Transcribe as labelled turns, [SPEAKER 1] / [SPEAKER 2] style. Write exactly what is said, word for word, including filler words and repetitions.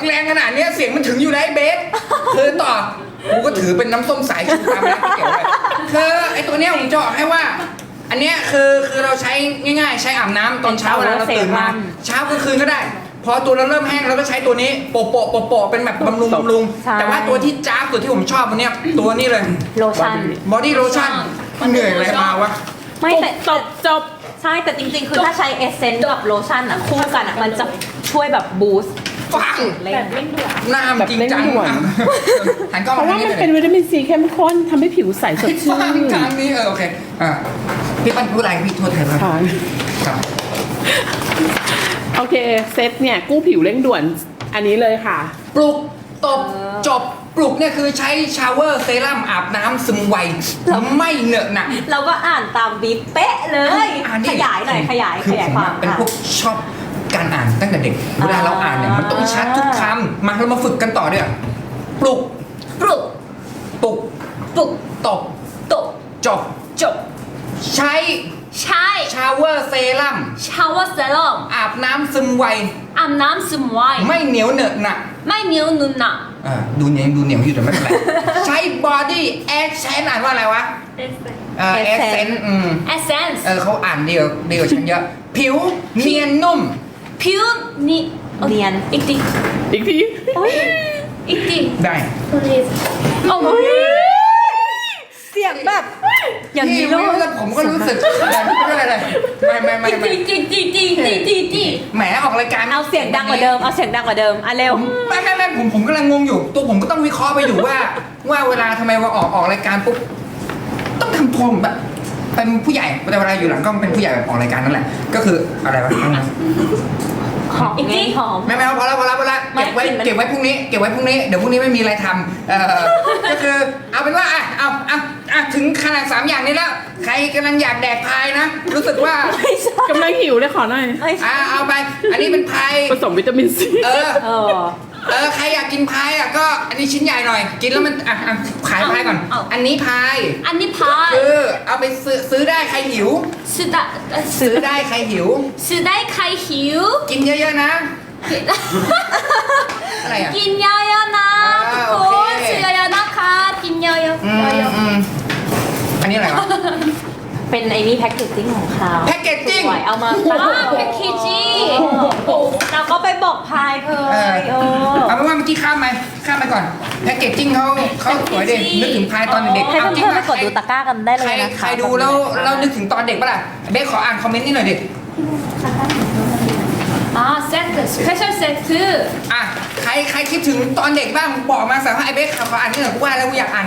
[SPEAKER 1] แรงขนาดเนี้ยเสียงมันถึงอยู่แล้วไอ้เบสคือต่อกูก็ถือเป็นน้ำส้มสายชูตามร้านก๋วยเตี๋ยวเลยคือไอ้ตัวเนี้ยผมจะบอกให้ว่า อันเนี้ยคือคือเราใช้ง่ายๆ ใช้อาบน้ำตอนเช้าเวลาเราตื่นมาเช้ากลางคืนก็ได้ พอตัวเราเริ่มแห้งเราก็ใช้ตัวนี้โปะโปะโปะโปะเป็นแบบบำรุงบำรุงแต่ว่าตัวที่จ้าบตัวที่ผมชอบวันเนี้ยตัวนี้เลย
[SPEAKER 2] โลชั่น
[SPEAKER 1] บอดี้โลชั่นมันเหนื่อยอะไรมาวะ
[SPEAKER 2] ไม่แต่
[SPEAKER 3] จบจบ
[SPEAKER 2] ใช่แต่จริงๆ คือถ้าใช้เอสเซนต์กับโลชั่นอ่ะคู่กันอ่ะมันจะช่วยแบบบูสต์
[SPEAKER 1] ฟัง
[SPEAKER 2] เลย
[SPEAKER 3] แบบเร่งด่วน
[SPEAKER 1] หน้ามันจริงจัง
[SPEAKER 3] แบบเร่งด่วน
[SPEAKER 1] หันกล้อง
[SPEAKER 3] เพราะ
[SPEAKER 1] มา
[SPEAKER 3] ว่า
[SPEAKER 1] ทาง
[SPEAKER 3] มัน
[SPEAKER 1] นี้
[SPEAKER 3] เป็น
[SPEAKER 1] เลย
[SPEAKER 3] วิตามินซีเข้มข้นทำให้ผิวใสสดชื่
[SPEAKER 1] ฟัง
[SPEAKER 3] น
[SPEAKER 1] ทางนี้เออโอเคอ่ะพี่ปั้นพูดอะไรพี่โทษแทนครับ
[SPEAKER 3] ค่ะ
[SPEAKER 1] ครับ
[SPEAKER 3] โอเคเซตเนี่ยกู้ผิวเร่งด่วนอันนี้เลยค่ะ
[SPEAKER 1] ปลุกตบจบปลุกเนี่ยคือใช้ชาวเวอร์เซรั่มอาบน้ำซึมไวไม่เหนอะหนะ
[SPEAKER 2] เราก็อ่านตามบีบเป๊ะเลย
[SPEAKER 1] อ่านดิ
[SPEAKER 2] ขยายหน่อยขยาย
[SPEAKER 1] คื
[SPEAKER 2] ข
[SPEAKER 1] อย
[SPEAKER 2] าย
[SPEAKER 1] ผม
[SPEAKER 2] ควา
[SPEAKER 1] อะ
[SPEAKER 2] ม
[SPEAKER 1] เป็น
[SPEAKER 2] ค่ะ
[SPEAKER 1] พวกชอบการอ่านตั้งแต่เด็ก เวลาเราอ่านเนี่ยมันต้องชัดทุกคำมาเรามาฝึกกันต่อด้วยปลุก
[SPEAKER 2] ปลุก
[SPEAKER 1] ปลุก
[SPEAKER 2] ปลุก
[SPEAKER 1] ตบ
[SPEAKER 2] ตบ
[SPEAKER 1] จบ
[SPEAKER 2] จบ
[SPEAKER 1] ใช้
[SPEAKER 2] ใช้
[SPEAKER 1] ชาวเวอร์เซรั่ม
[SPEAKER 2] ชาวเซรั่ม
[SPEAKER 1] อาบน้ำซึมไว
[SPEAKER 2] อาบน้ำซึมไว
[SPEAKER 1] ไม่เหนียวเหนอะหนะ
[SPEAKER 2] ไม่เหนียวนุ่นหนะ
[SPEAKER 1] อ่าดูเหนียวดูเหนียวอยู่แต่ไม่เป็นไร ใช้บอดี้แอคเซนอ่านว่าอะไรวะเออแอคเซนอืม
[SPEAKER 2] เอเซนส์
[SPEAKER 1] เออเขาอ่านดีกว่าดีกว่าฉันเยอะ ผิวเนียนนุ่ม
[SPEAKER 2] ผิวนี่เนียนอีกที
[SPEAKER 3] อีกที
[SPEAKER 2] อีกที
[SPEAKER 1] ได้
[SPEAKER 2] โอ้ยเสียงแบบอย่างนี้
[SPEAKER 1] พี่
[SPEAKER 2] ลู
[SPEAKER 1] ไม่
[SPEAKER 2] ก
[SPEAKER 1] รู้ผมก็รู้สึกแบบไม่เป็นไรไม่ไม่ไม่ไม่
[SPEAKER 2] จีจีจีจีจีจีจี
[SPEAKER 1] แหมออกรายการ
[SPEAKER 2] เอาเสียงดังกว่าเดิมเอาเสียงดังกว่าเดิมอ่ะเร็ว
[SPEAKER 1] ไม่ไม่ไม่ผมผมกำลังงงอยู่ ตัวผมก็ต้องวิเคราะห์ไปอยู่ว่า ว่าเวลาทำไมว่าออกออกรายการปุ๊บต้องทำตัวแบบเป็นผู้ใหญ่แต่เวลาอยู่หลังกล้องเป็นผู้ใหญ่แบบออกรายการนั่นแหละ ก็คืออะไรวะ
[SPEAKER 2] หอมไงหอม
[SPEAKER 1] ไม่ไม่พอแล้วพอแล้วพอแล้ว
[SPEAKER 2] ไม่
[SPEAKER 1] เก็บไว้
[SPEAKER 2] กลิ่นมัน
[SPEAKER 1] เก็บไว้พรุ่งนี้เก็บไว้พรุ่งนี้เดี๋ยวพรุ่งนี้ไม่มีอะไรทำเออก็คือเอาเป็นว่าอ่ะเอาเอาอ่ะถึงขนาดสามอย่างนี้แล้ว ใครกำลังอยากแดกพายนะ รู้สึกว่า
[SPEAKER 2] ไม่ใช่
[SPEAKER 3] กำลังหิวเลยขอหน่อย
[SPEAKER 2] ไม่ใช่
[SPEAKER 1] อ่ะเอาไป อันนี้เป็นพาย
[SPEAKER 3] ผสมวิตามินซี
[SPEAKER 1] เออ
[SPEAKER 2] เออ
[SPEAKER 1] เออใครอยากกินพายอ่ะก็อันนี้ชิ้นใหญ่หน่อย กินแล้วมันอ่ะอ่ะขายพายก่อน
[SPEAKER 2] เอา
[SPEAKER 1] อันนี้พาย
[SPEAKER 2] อันนี้พาย
[SPEAKER 1] คือเอาไปซื้อซื้อได้ใครหิว
[SPEAKER 2] ซื้อได้
[SPEAKER 1] ซื้อได้ใครหิว
[SPEAKER 2] ซื้อได้ใครหิว
[SPEAKER 1] กินเยอะๆนะ อะไรอ่ะ
[SPEAKER 2] กินเยอะๆนะ
[SPEAKER 1] อ่า
[SPEAKER 2] ทุก
[SPEAKER 1] โอ
[SPEAKER 2] ค
[SPEAKER 1] เค
[SPEAKER 2] นซื้อเยอะๆนะคะกินเยอะๆ
[SPEAKER 1] อืม
[SPEAKER 2] เยอะ
[SPEAKER 1] อืมอันนี้อะไรวะ
[SPEAKER 2] ๆเป็นไอ้นี่แพ็กเกจจิ้งของเขา
[SPEAKER 1] แพ็กเกจจิ้ง
[SPEAKER 2] สวยเอามาตั้งแพ็กเกจจิ้งเราก็ไปบอกพายเค
[SPEAKER 1] เออย
[SPEAKER 2] เออ
[SPEAKER 1] เอาเป็นว่าเมื่อกี้ข้ามไปข้ามไปก่อนแพ็กเกจจิ้งเขาเขาสวยเด็กนึกถึงพายตอนเด็กๆ
[SPEAKER 2] ให้
[SPEAKER 1] เอาจริง
[SPEAKER 2] เพื่อนๆไป
[SPEAKER 1] ป่ะ
[SPEAKER 2] กดดูตะกร้ากันได้เล
[SPEAKER 1] ใคร
[SPEAKER 2] ยนะคะ
[SPEAKER 1] ใครดูแล้วเรานึกถึงตอนเด็กปะล่ะเบสขออ่านคอมเมนต์นี่หน่อยดิ
[SPEAKER 2] อ่าเซตสเปเชียลเซต
[SPEAKER 1] อ่ะใครใครคิดถึงตอนเด็กบ้างบอกมาสารพัดไอเบสขออ่านนี่หน่อยกูว่าแล้วกูอยากอ่าน